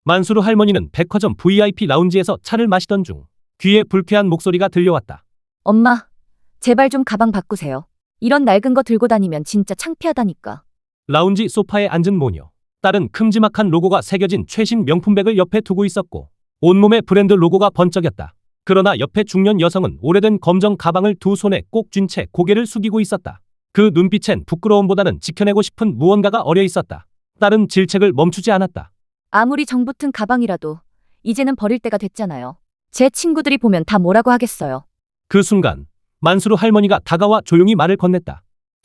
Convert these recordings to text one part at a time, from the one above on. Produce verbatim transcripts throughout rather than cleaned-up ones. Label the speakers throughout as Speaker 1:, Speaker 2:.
Speaker 1: 만수르 할머니는 백화점 브이아이피 라운지에서 차를 마시던 중 귀에 불쾌한 목소리가 들려왔다.
Speaker 2: 엄마, 제발 좀 가방 바꾸세요. 이런 낡은 거 들고 다니면 진짜 창피하다니까.
Speaker 1: 라운지 소파에 앉은 모녀. 딸은 큼지막한 로고가 새겨진 최신 명품백을 옆에 두고 있었고 온몸에 브랜드 로고가 번쩍였다. 그러나 옆에 중년 여성은 오래된 검정 가방을 두 손에 꼭 쥔 채 고개를 숙이고 있었다. 그 눈빛엔 부끄러움보다는 지켜내고 싶은 무언가가 어려 있었다. 딸은 질책을 멈추지 않았다.
Speaker 2: 아무리 정 붙은 가방이라도 이제는 버릴 때가 됐잖아요. 제 친구들이 보면 다 뭐라고 하겠어요.
Speaker 1: 그 순간 만수르 할머니가 다가와 조용히 말을 건넸다.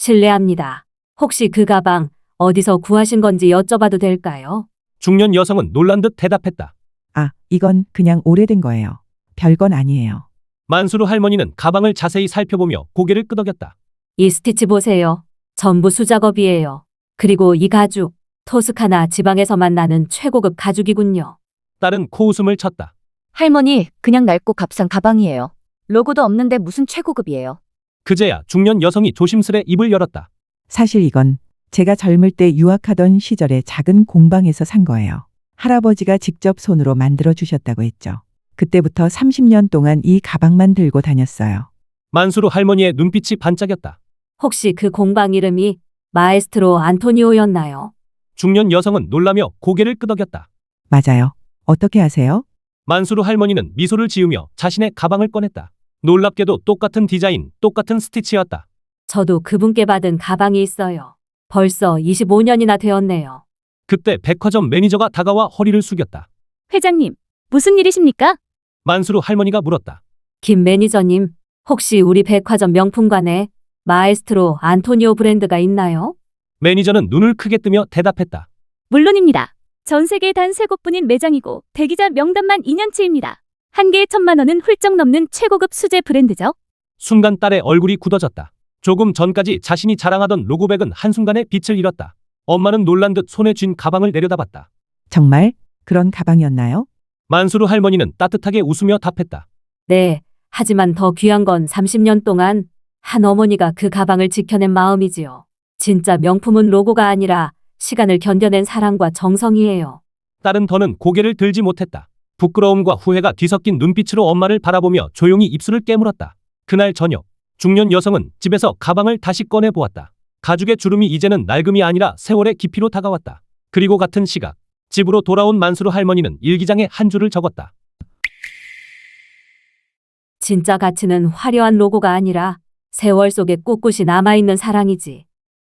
Speaker 3: 실례합니다. 혹시 그 가방 어디서 구하신 건지 여쭤봐도 될까요?
Speaker 1: 중년 여성은 놀란 듯 대답했다.
Speaker 4: 아, 이건 그냥 오래된 거예요. 별건 아니에요.
Speaker 1: 만수르 할머니는 가방을 자세히 살펴보며 고개를 끄덕였다.
Speaker 3: 이 스티치 보세요. 전부 수작업이에요. 그리고 이 가죽, 토스카나 지방에서만 나는 최고급 가죽이군요.
Speaker 1: 딸은 코웃음을 쳤다.
Speaker 2: 할머니, 그냥 낡고 값싼 가방이에요. 로고도 없는데 무슨 최고급이에요.
Speaker 1: 그제야 중년 여성이 조심스레 입을 열었다.
Speaker 4: 사실 이건 제가 젊을 때 유학하던 시절에 작은 공방에서 산 거예요. 할아버지가 직접 손으로 만들어 주셨다고 했죠. 그때부터 삼십 년 동안 이 가방만 들고 다녔어요.
Speaker 1: 만수르 할머니의 눈빛이 반짝였다.
Speaker 3: 혹시 그 공방 이름이 마에스트로 안토니오였나요?
Speaker 1: 중년 여성은 놀라며 고개를 끄덕였다.
Speaker 4: 맞아요. 어떻게 아세요?
Speaker 1: 만수르 할머니는 미소를 지으며 자신의 가방을 꺼냈다. 놀랍게도 똑같은 디자인, 똑같은 스티치였다.
Speaker 3: 저도 그분께 받은 가방이 있어요. 벌써 이십오 년이나 되었네요.
Speaker 1: 그때 백화점 매니저가 다가와 허리를 숙였다.
Speaker 2: 회장님, 무슨 일이십니까?
Speaker 1: 만수르 할머니가 물었다.
Speaker 3: 김 매니저님, 혹시 우리 백화점 명품관에 마에스트로 안토니오 브랜드가 있나요?
Speaker 1: 매니저는 눈을 크게 뜨며 대답했다.
Speaker 5: 물론입니다. 전 세계에 단 세 곳뿐인 매장이고 대기자 명단만 이 년치입니다. 한 개에 천만 원은 훌쩍 넘는 최고급 수제 브랜드죠.
Speaker 1: 순간 딸의 얼굴이 굳어졌다. 조금 전까지 자신이 자랑하던 로고백은 한순간에 빛을 잃었다. 엄마는 놀란 듯 손에 쥔 가방을 내려다봤다.
Speaker 4: 정말 그런 가방이었나요?
Speaker 1: 만수르 할머니는 따뜻하게 웃으며 답했다.
Speaker 3: 네, 하지만 더 귀한 건 삼십 년 동안 한 어머니가 그 가방을 지켜낸 마음이지요. 진짜 명품은 로고가 아니라 시간을 견뎌낸 사랑과 정성이에요.
Speaker 1: 딸은 더는 고개를 들지 못했다. 부끄러움과 후회가 뒤섞인 눈빛으로 엄마를 바라보며 조용히 입술을 깨물었다. 그날 저녁, 중년 여성은 집에서 가방을 다시 꺼내 보았다. 가죽의 주름이 이제는 낡음이 아니라 세월의 깊이로 다가왔다. 그리고 같은 시각, 집으로 돌아온 만수르 할머니는 일기장에 한 줄을 적었다.
Speaker 3: 진짜 가치는 화려한 로고가 아니라 세월 속에 꿋꿋이 남아있는 사랑이지.